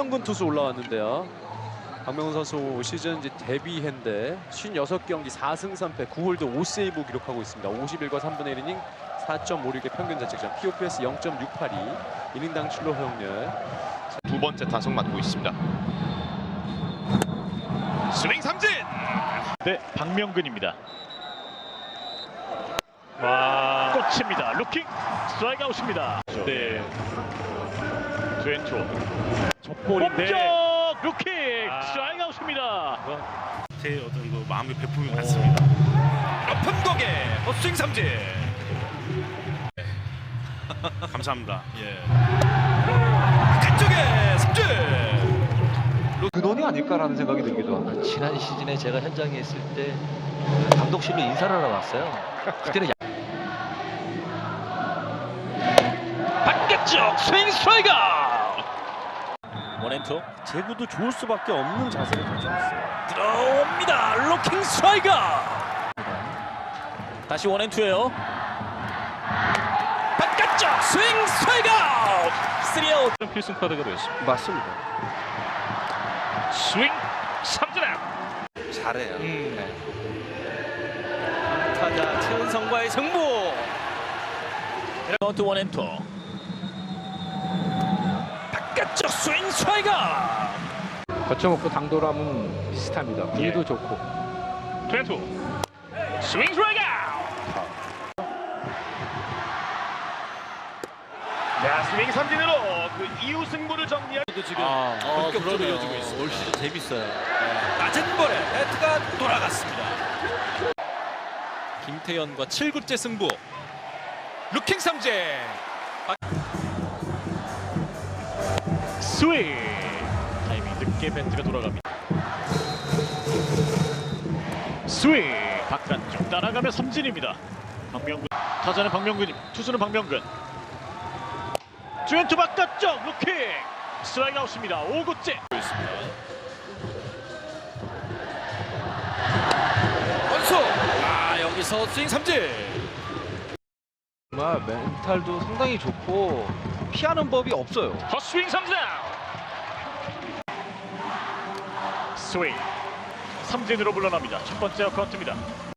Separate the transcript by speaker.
Speaker 1: 박명근 투수 올라왔는데요. 박명근 선수 시즌 이제 데뷔했는데 56경기 4승 3패 9홀드 5세이브 기록하고 있습니다. 51과 3분의 1이닝 4.56의 평균 자책점, POPS 0.682, 이닝당 출루 허용률.
Speaker 2: 두 번째 타석 맡고 있습니다. 스윙 삼진.
Speaker 3: 네, 박명근입니다. 와, 꽂힙니다. 루킹 스트라이크 아웃입니다. 네, 투앤투
Speaker 4: 족볼인데
Speaker 3: 쪽 루킹 스트라이크 아웃입니다.
Speaker 4: 제 어떤 그 마음의 배품이 많습니다.
Speaker 2: 높은 공에 스윙 삼진.
Speaker 4: 감사합니다.
Speaker 2: 바깥쪽에 삼진.
Speaker 5: 근원이 아닐까라는 생각이 들기도 하고.
Speaker 6: 지난 시즌에 제가 현장에 있을 때 감독실로 인사를 하러 갔어요. 그때는
Speaker 3: 바깥쪽 스윙 스트라이크.
Speaker 1: 원앤투. 제구도 좋을 수밖에 없는 자세를 가지고 있어요.
Speaker 3: 들어옵니다. 루킹 스트라이크. 다시 원앤투예요. 바깥쪽 스윙 스트라이크. 3아웃. 필승 카드가 되었습니다.
Speaker 1: 맞습니다.
Speaker 3: 스윙 삼진 아웃.
Speaker 1: 잘해요. 타자 최은성과의 승부.
Speaker 3: 카운트 원앤투. 바깥쪽 스윙 스트라이크.
Speaker 5: 거쳐먹고 당돌함은 비슷합니다. 분위기도 좋고.
Speaker 3: 투앤투 스윙 스트라이크. 자, 스윙 삼진으로 그 이후 승부를 정리할.
Speaker 1: 지금 본격적으로 이어지고 있어요. 올 시즌 재밌어요. 낮은 볼에 배트가 돌아갔습니다. 김태현과 7구째 승부. 루킹 삼진.
Speaker 3: 스윙 타이밍 늦게 배트가 돌아갑니다. 스윙 바깥쪽 따라가며 삼진입니다. 박명근 타자는 박명근입니다. 투수는 박명근. 투앤투 바깥쪽 루킹 스트라이크 아웃입니다. 5구째.
Speaker 1: 원수. 여기서 스윙 삼진.
Speaker 5: 정말 멘탈도 상당히 좋고 피하는 법이 없어요.
Speaker 3: 헛스윙 삼진 아웃. 스윙 삼진으로 물러납니다. 첫 번째 카운트입니다.